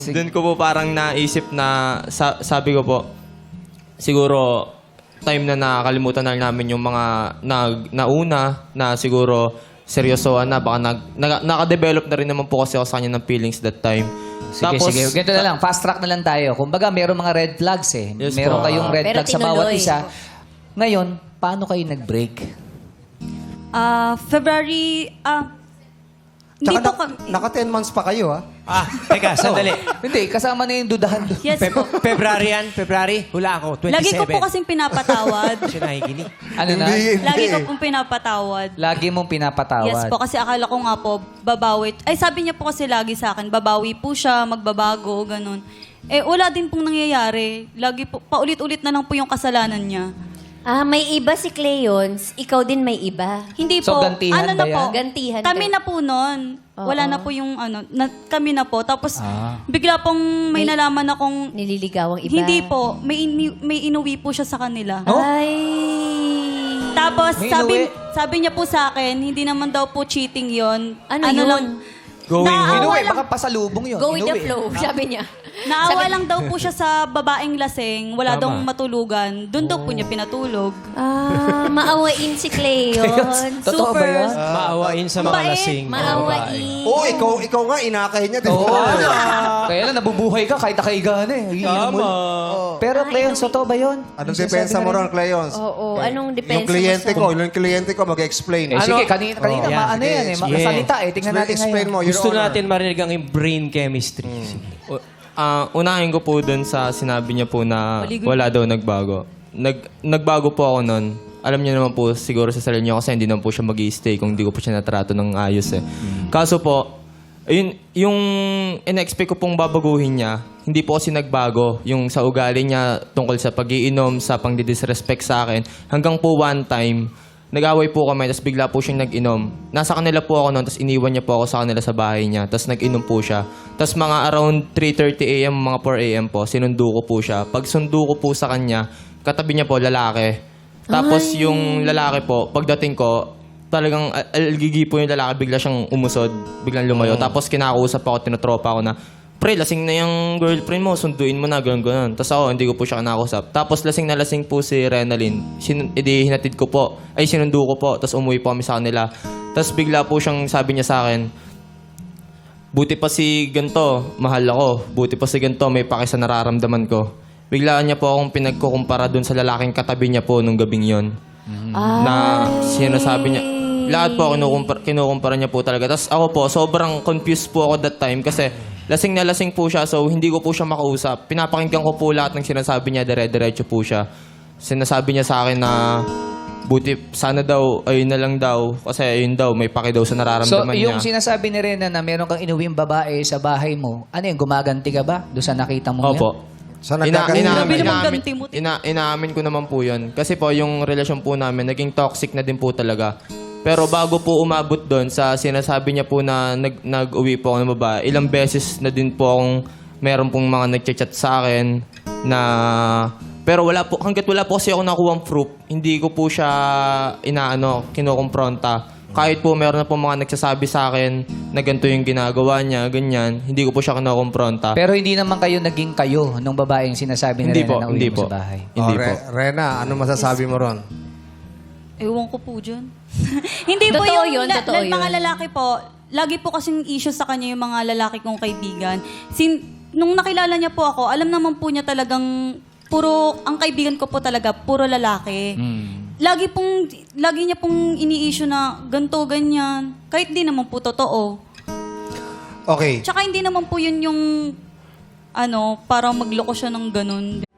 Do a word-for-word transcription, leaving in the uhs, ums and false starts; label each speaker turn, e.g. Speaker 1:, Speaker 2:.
Speaker 1: Doon ko po parang naisip na, sa, sabi ko po, siguro time na nakakalimutan na namin yung mga nag, nauna na siguro seryosoan na. Baka nag, naka, nakadevelop na rin naman po kasi ako sa kanya ng feelings that time.
Speaker 2: Sige,
Speaker 1: Tapos,
Speaker 2: sige. Ganito na lang. Fast track na lang tayo. Kumbaga, meron mga red flags eh.
Speaker 1: Yes
Speaker 2: meron
Speaker 1: po.
Speaker 2: kayong red
Speaker 3: Pero
Speaker 2: flags sa bawat
Speaker 3: tinuloy.
Speaker 2: isa. Ngayon, paano kayo nag-break?
Speaker 4: Ah, February, ah, hindi
Speaker 5: Tsaka
Speaker 4: po kami.
Speaker 5: naka ten months pa kayo, ha?
Speaker 6: Ah, teka, sandali.
Speaker 2: Hindi, kasama na yung dudahan doon.
Speaker 4: Yes
Speaker 6: Fe-
Speaker 4: po.
Speaker 6: February yan? February? Hula ako, twenty-seven.
Speaker 4: Lagi ko po kasing pinapatawad.
Speaker 6: Siya nakikinig.
Speaker 2: Ano na?
Speaker 5: Hindi,
Speaker 4: Lagi ko
Speaker 5: hindi.
Speaker 4: pong pinapatawad.
Speaker 2: Lagi mong pinapatawad.
Speaker 4: Yes po, kasi akala ko nga po, babawi. Ay, sabi niya po kasi lagi sa akin, babawi po siya, magbabago, ganun. Eh, wala din pong nangyayari. Lagi po, paulit-ulit na lang po yung kasalanan niya.
Speaker 3: Ah, may iba si Cleons. Ikaw din may iba.
Speaker 4: Hindi
Speaker 2: So,
Speaker 4: po.
Speaker 2: gantihan
Speaker 4: ano
Speaker 2: ba
Speaker 4: na po?
Speaker 2: yan?
Speaker 3: Gantihan
Speaker 4: Kami
Speaker 3: ka.
Speaker 4: na po noon. Wala na po yung ano, na, kami na po. Tapos,
Speaker 2: Ah.
Speaker 4: bigla pong may,
Speaker 3: May-
Speaker 4: nalaman akong,
Speaker 3: Nililigawang iba.
Speaker 4: hindi po, may, ini- may inuwi po siya sa kanila.
Speaker 2: Oh?
Speaker 3: Ay.
Speaker 4: Tapos,
Speaker 2: May
Speaker 4: sabi,
Speaker 2: inuwi?
Speaker 4: sabi niya po sa akin, hindi naman daw po cheating yon.
Speaker 3: Ano yun?
Speaker 4: lang,
Speaker 6: Going
Speaker 4: Naawa
Speaker 2: Inuwi,
Speaker 4: lang-
Speaker 2: baka pasalubong yun.
Speaker 3: Go with the
Speaker 2: Inuwi.
Speaker 3: flow, sabi niya.
Speaker 4: Naawa
Speaker 3: Sabi-
Speaker 4: lang daw po siya sa babaeng lasing. Wala
Speaker 6: Tama.
Speaker 4: daw matulugan. Doon daw po niya pinatulog.
Speaker 3: Ah, maawain si Cleons.
Speaker 2: Totoo ba
Speaker 4: Super.
Speaker 2: yan?
Speaker 6: Maawain sa mga
Speaker 4: Mabait.
Speaker 6: lasing.
Speaker 3: Maawain.
Speaker 5: Oo, ikaw, ikaw nga, inakay niya. Di
Speaker 2: Oo.
Speaker 5: ba?
Speaker 2: Kaya lang, nabubuhay ka kahit nakaiga na eh. Iinom mo.
Speaker 6: Tama.
Speaker 2: Pero, Cleons, totoo ba yun?
Speaker 5: Anong
Speaker 2: Yung sinasabi
Speaker 5: depensa
Speaker 2: na
Speaker 5: mo
Speaker 2: rin?
Speaker 5: ron, Cleons?
Speaker 3: Oo, anong depensa
Speaker 5: Yung kliyente
Speaker 3: mo sa-
Speaker 5: ko, yung kliyente ko, mag-explain.
Speaker 2: Eh,
Speaker 6: Ano?
Speaker 2: sige, kanina, kanina
Speaker 6: Oh.
Speaker 2: ma- ano
Speaker 5: Sige,
Speaker 2: yan eh,
Speaker 5: explain.
Speaker 2: makasalita eh. Tingnan natin
Speaker 5: Explain
Speaker 2: ngayon.
Speaker 5: mo, Your
Speaker 6: Gusto
Speaker 5: Honor.
Speaker 6: natin marinig ang brain chemistry.
Speaker 1: u- ah, unahin ko po doon sa sinabi niya po na
Speaker 4: Maligo.
Speaker 1: wala daw nagbago. Nag, nagbago po ako noon. Alam niyo naman po siguro sa sarili niyo kasi hindi naman po siya mag-i-stay kung hindi ko po siya natrato ng ayos eh. Kaso po, ayun, yung in-expect ko pong babaguhin niya, hindi po kasi nagbago. Yung sa ugali niya tungkol sa pag-iinom, sa pang-disrespect sa akin. Hanggang po one time, nag-away po kami, tapos bigla po siyang nag-inom. Nasa kanila po ako noon, tapos iniwan niya po ako sa kanila sa bahay niya. Tapos nag-inom po siya. Tapos mga around three thirty a m, mga four a m po, sinundo ko po siya. Pag sundo ko po sa kanya, katabi niya po, lalaki. Tapos yung lalaki po, pagdating ko, talagang al- algigi po yung lalaki, bigla siyang umusod, biglang lumayo. Tapos kinakausap ako, tinotropa ako na, pre, lasing na yung girlfriend mo, sunduin mo na, gano'n, gano'n. Tapos ako, hindi ko po siya kinakausap. Tapos lasing na lasing po si Renalyn. Sin edi hinatid ko po, ay sinundo ko po, tapos umuwi po kami sa kanila. Tapos bigla po siyang sabi niya sa akin, buti pa si ganto, mahal ako. Buti pa si ganto, may paki sa nararamdaman ko. Biglaan niya po akong pinagkukumpara dun sa lalaking katabi niya po nung gabing yon. Na sinasabi niya, lahat po kinukumpara, kinukumpara niya po talaga. Tapos ako po, sobrang confused po ako that time kasi lasing na lasing po siya, so hindi ko po siya makausap. Pinapakinggan ko po lahat ng sinasabi niya, dire-diretso po siya. Sinasabi niya sa akin na buti, sana daw, ayun na lang daw, kasi ayun daw, may paki daw sa
Speaker 2: So,
Speaker 1: nararamdaman
Speaker 2: yung
Speaker 1: niya.
Speaker 2: sinasabi ni Rena na meron kang inuwing babae sa bahay mo, ano yun, gumaganti ka ba doon sa nakita mo
Speaker 1: Opo.
Speaker 2: yan?
Speaker 5: Sa
Speaker 1: Ina,
Speaker 5: nagkaganti
Speaker 1: inaamin,
Speaker 4: Sabi naman
Speaker 1: inaamin,
Speaker 4: ganti mo,
Speaker 1: ina, inaamin ko naman po yun. Kasi po, yung relasyon po namin, naging toxic na din po talaga. Pero bago po umabot doon sa sinasabi niya po na nag, nag-uwi po ako ng babae, ilang beses na din po akong meron pong mga nag-chat sa akin na... Pero wala po, hanggat wala po kasi ako nakuha proof, hindi ko po siya inaano, kinukumpronta. Kahit po meron na po mga nagsasabi sa akin na ganito yung ginagawa niya, ganyan, hindi ko po siya kinukumpronta.
Speaker 2: Pero hindi naman kayo naging kayo nung babaeng sinasabi ni
Speaker 1: Hindi
Speaker 2: Rena
Speaker 1: po,
Speaker 2: na uwi
Speaker 1: hindi
Speaker 2: mo
Speaker 1: po.
Speaker 2: sa bahay.
Speaker 1: Hindi
Speaker 5: Oh,
Speaker 1: po.
Speaker 5: Re- Rena, ano masasabi mo ron?
Speaker 4: Ewan ko po dyan. Hindi po
Speaker 3: Totoo
Speaker 4: yung
Speaker 3: yun,
Speaker 4: la-
Speaker 3: totoo
Speaker 4: la- mga
Speaker 3: yun.
Speaker 4: lalaki po, lagi po kasing issue sa kanya yung mga lalaki kong kaibigan. Sin, nung nakilala niya po ako, alam naman po niya talagang puro, ang kaibigan ko po talaga, puro lalaki. Lagi pong, lagi niya pong ini-issue na ganto, ganyan. Kahit di naman po totoo.
Speaker 5: Okay.
Speaker 4: Tsaka hindi naman po yun yung, ano, parang magloko siya ng ganun.